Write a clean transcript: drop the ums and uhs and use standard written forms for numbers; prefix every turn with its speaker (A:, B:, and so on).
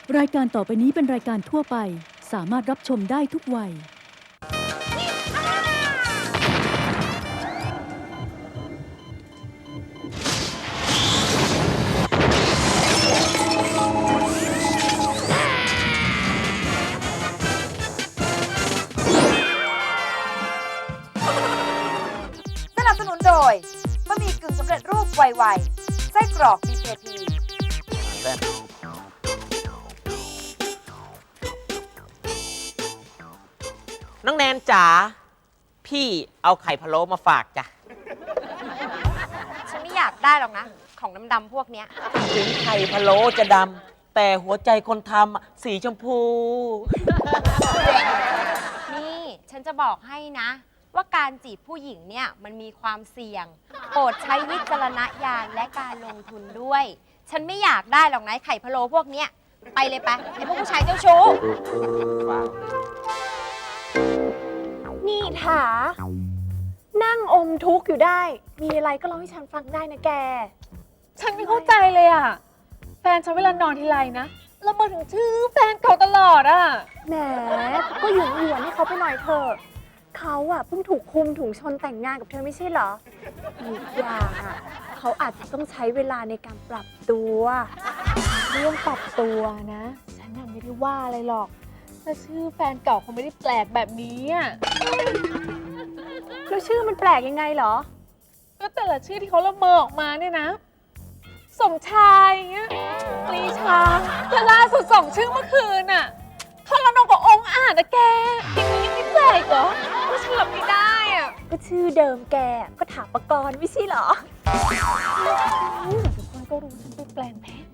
A: รายการต่อไปนี้เป็นรายการทั่วไปสามารถรับชมได้ทุกวัย
B: สนับสนุนโดยบะหมี่กึ่งสำเร็จรูปไวๆไส้กรอก BKP
C: น้องแนนจ๋าพี่เอาไข่พะโล้มาฝากจ้ะ
B: ฉันไม่อยากได้หรอกนะ ของดำๆพวกเนี้ย
C: ถึงไข่พะโล้จะดำแต่หัวใจคนทำสีชมพู
B: นี่ฉันจะบอกให้นะ ว่าการจีบผู้หญิงเนี่ยมันมีความเสี่ยง โปรดใช้วิจารณญาณและการลงทุนด้วย ฉันไม่อยากได้หรอกนะไข่พะโล้พวกเนี้ยไปเลยไปไอ้พวกผู้ชายเจ้าชู้
D: นี่ถานั่งอมทุกข์อยู่ได้ มีอะไรก็เล่าให้ฉันฟังได้นะแก
E: ฉันไม่เข้าใจเลยอ่ะ แฟนฉันเวลานอนทีไรนะละเมอถึงชื่อแฟนเก่าตลอดอ่ะ
D: แหมก็หยวนให้เขาไปหน่อยเถอะเขาอะเพิ่งถูกคุมถุงชนแต่งงานกับเธอไม่ใช่เหรออีกอย่างอะเขาอาจจะต้องใช้เวลาในการปรับตัว
E: เรื่องปรับตัวนะ ฉันยังไม่ได้ว่าอะไรหรอกแต่ชื่อแฟนเก่าเขาไม่ได้แปลกแบบนี้อ่ะ
D: แล้วชื่อมันแปลกยังไงเหรอ
E: ก็แต่ละชื่อที่เขาละเมอออกมาเนี่ยนะ สมชายอย่างเงี้ยปรีชาและล่าสุด2 ชื่อเมื่อคืนอ่ะทรนงกับองค์อาจนะแกอย่างนี้ยังไม่แปลกเหรอก็ฉันรับไม่ได้อ่ะ
D: ก็ชื่อเดิมแกก็ถาปกรณ์ไม่ใช่เหรอ
E: ทุกคนก็รู้ฉันไปแปลงเพศ